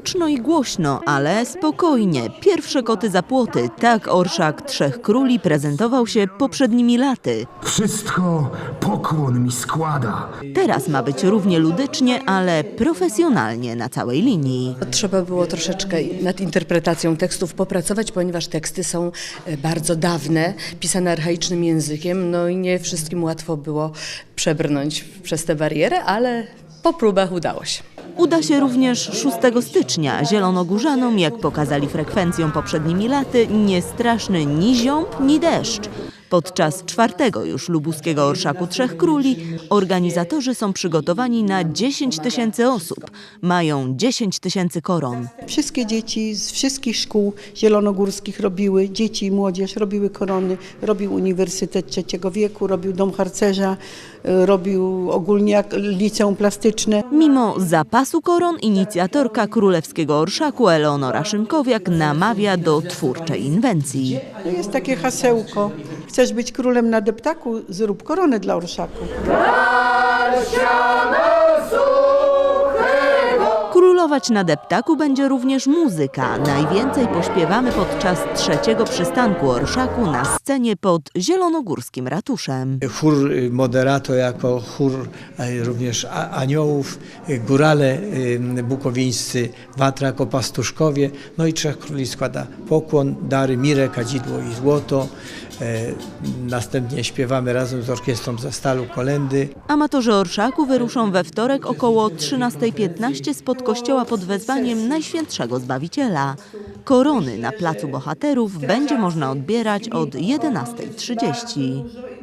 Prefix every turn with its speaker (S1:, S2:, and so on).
S1: Huczno i głośno, ale spokojnie. Pierwsze koty za płoty. Tak orszak Trzech Króli prezentował się poprzednimi laty.
S2: Wszystko pokłon mi składa.
S1: Teraz ma być równie ludycznie, ale profesjonalnie na całej linii.
S3: Trzeba było troszeczkę nad interpretacją tekstów popracować, ponieważ teksty są bardzo dawne, pisane archaicznym językiem, no i nie wszystkim łatwo było przebrnąć przez tę barierę, ale po próbach udało się.
S1: Uda się również 6 stycznia. Zielonogórzanom, jak pokazali frekwencją poprzednimi laty, nie straszny ni ziąb, ni deszcz. Podczas 4. już lubuskiego Orszaku Trzech Króli organizatorzy są przygotowani na 10 000 osób. Mają 10 000 koron.
S4: Wszystkie dzieci z wszystkich szkół zielonogórskich robiły, dzieci i młodzież robiły korony, robił Uniwersytet Trzeciego Wieku, robił Dom Harcerza, robił ogólnie liceum plastyczne.
S1: Mimo zapasu koron inicjatorka królewskiego orszaku Eleonora Szymkowiak namawia do twórczej inwencji.
S4: To jest takie hasełko. Chcesz być królem na deptaku? Zrób koronę dla orszaku.
S1: Królować na deptaku będzie również muzyka. Najwięcej pośpiewamy podczas 3. przystanku orszaku na scenie pod zielonogórskim ratuszem.
S5: Chór Moderato jako chór również aniołów, górale bukowińscy, Watra jako pastuszkowie, no i Trzech Króli składa pokłon, dary, mirę, kadzidło i złoto. Następnie śpiewamy razem z orkiestrą ze Stalu kolędy.
S1: Amatorzy orszaku wyruszą we wtorek około 13:15 spod kościoła pod wezwaniem Najświętszego Zbawiciela. Korony na Placu Bohaterów będzie można odbierać od 11:30.